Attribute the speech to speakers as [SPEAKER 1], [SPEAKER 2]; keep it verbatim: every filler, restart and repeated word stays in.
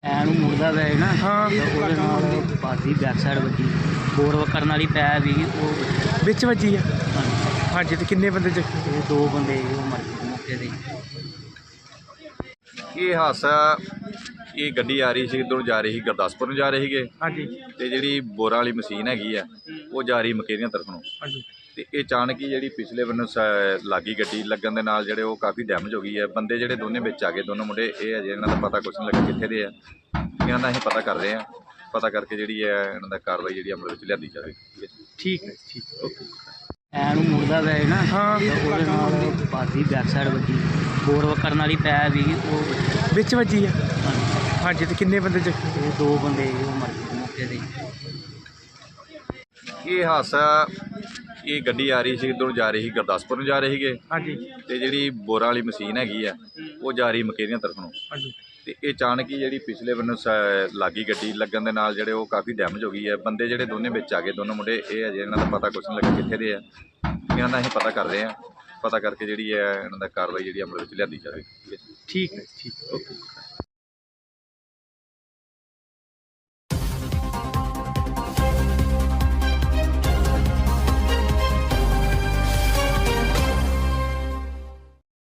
[SPEAKER 1] ਐਨ ਮੁੜਦਾ ਵੇ ਨਾ
[SPEAKER 2] ਹਾਂ।
[SPEAKER 1] ਤੇ ਉਹਦੇ ਨਾਲ ਪਾਦੀ ਬੈਕ ਸਾਈਡ ਵੱਜੀ ਬੋਰ ਕਰਨ ਵਾਲੀ ਪੈ ਵੀ ਉਹ
[SPEAKER 2] ਵਿੱਚ ਵੱਜੀ ਆ।
[SPEAKER 1] ਹਾਂਜੀ।
[SPEAKER 2] ਹਾਂਜੀ, ਤੇ ਕਿੰਨੇ ਬੰਦੇ ਜ਼ਖਮੀ?
[SPEAKER 1] ਇਹ ਦੋ ਬੰਦੇ ਉਹ ਮਰ ਗਏ ਮੌਕੇ ਤੇ।
[SPEAKER 3] ਇਹ ਹਾਦਸਾ ਇਹ ਗੱਡੀ ਆ ਰਹੀ ਸੀ, ਇੱਧਰੋਂ ਜਾ ਰਹੀ ਸੀ ਗੁਰਦਾਸਪੁਰ ਨੂੰ ਜਾ ਰਹੇ ਸੀਗੇ
[SPEAKER 2] ਹਾਂਜੀ
[SPEAKER 3] ਤੇ ਜਿਹੜੀ ਬੋਰਾਂ ਵਾਲੀ ਮਸ਼ੀਨ ਹੈਗੀ ਆ ਉਹ ਜਾ ਰਹੀ ਮਕੇਰੀਆਂ ਤਰਫ ਨੂੰ।
[SPEAKER 2] ਹਾਂਜੀ
[SPEAKER 3] ਤੇ ਇਹ ਅਚਾਨਕ ਹੀ ਜਿਹੜੀ ਪਿਛਲੇ ਬੰਨੋਂ ਸ- ਲੱਗੀ ਗੱਡੀ ਲੱਗਣ ਦੇ ਨਾਲ ਜਿਹੜੇ ਉਹ ਕਾਫੀ ਡੈਮੇਜ ਹੋ ਗਈ ਹੈ। ਬੰਦੇ ਜਿਹੜੇ ਦੋਨੇ ਵਿੱਚ ਆ ਗਏ, ਦੋਨੋਂ ਮੁੰਡੇ, ਇਹ ਅਜੇ ਇਹਨਾਂ ਦਾ ਪਤਾ ਕੁਛ ਨਹੀਂ ਲੱਗਾ ਕਿੱਥੇ ਦੇ ਆ। ਇਹਨਾਂ ਦਾ ਅਸੀਂ ਪਤਾ ਕਰ ਰਹੇ ਹਾਂ, ਪਤਾ ਕਰਕੇ ਜਿਹੜੀ ਹੈ ਇਹਨਾਂ ਦਾ ਕਾਰਵਾਈ ਜਿਹੜੀ ਅਮਲ ਵਿੱਚ ਲਿਆਂਦੀ ਜਾਵੇ।
[SPEAKER 2] ਠੀਕ ਹੈ ਠੀਕ ਓਕੇ।
[SPEAKER 1] ਐਨ ਮੁੜਦਾ ਵੇ ਨਾ
[SPEAKER 2] ਹਾਂ।
[SPEAKER 1] ਤੇ ਉਹਦੇ ਨਾਲ ਪਾਦੀ ਬੈਕ ਸਾਈਡ ਵੱਜੀ ਬੋਰ ਕਰਨ ਵਾਲੀ ਪੈ ਵੀ ਉਹ
[SPEAKER 2] ਵਿੱਚ ਵੱਜੀ ਆ।
[SPEAKER 1] ਹਾਂਜੀ।
[SPEAKER 2] ਹਾਂਜੀ, ਤੇ ਕਿੰਨੇ ਬੰਦੇ ਜ਼ਖਮੀ?
[SPEAKER 1] ਇਹ ਦੋ ਬੰਦੇ ਉਹ ਮਰ ਗਏ ਮੌਕੇ ਤੇ।
[SPEAKER 3] ਇਹ ਹਾਦਸਾ ਇਹ ਗੱਡੀ ਆ ਰਹੀ ਸੀ, ਇੱਧਰੋਂ ਜਾ ਰਹੀ ਸੀ ਗੁਰਦਾਸਪੁਰ ਨੂੰ ਜਾ ਰਹੇ ਸੀਗੇ
[SPEAKER 2] ਹਾਂਜੀ
[SPEAKER 3] ਤੇ ਜਿਹੜੀ ਬੋਰਾਂ ਵਾਲੀ ਮਸ਼ੀਨ ਹੈਗੀ ਆ ਉਹ ਜਾ ਰਹੀ ਮਕੇਰੀਆਂ ਤਰਫ ਨੂੰ।
[SPEAKER 2] ਹਾਂਜੀ
[SPEAKER 3] ਤੇ ਇਹ ਅਚਾਨਕ ਹੀ ਜਿਹੜੀ ਪਿਛਲੇ ਬੰਨੋਂ ਸ- ਲੱਗੀ ਗੱਡੀ ਲੱਗਣ ਦੇ ਨਾਲ ਜਿਹੜੇ ਉਹ ਕਾਫੀ ਡੈਮੇਜ ਹੋ ਗਈ ਹੈ। ਬੰਦੇ ਜਿਹੜੇ ਦੋਨੇ ਵਿੱਚ ਆ ਗਏ, ਦੋਨੋਂ ਮੁੰਡੇ, ਇਹ ਅਜੇ ਇਹਨਾਂ ਦਾ ਪਤਾ ਕੁਛ ਨਹੀਂ ਲੱਗਾ ਕਿੱਥੇ ਦੇ ਆ। ਇਹਨਾਂ ਦਾ ਅਸੀਂ ਪਤਾ ਕਰ ਰਹੇ ਹਾਂ, ਪਤਾ ਕਰਕੇ ਜਿਹੜੀ ਹੈ ਇਹਨਾਂ ਦਾ ਕਾਰਵਾਈ ਜਿਹੜੀ ਅਮਲ ਵਿੱਚ ਲਿਆਂਦੀ ਜਾਵੇ।
[SPEAKER 2] ਠੀਕ ਹੈ ਠੀਕ ਓਕੇ।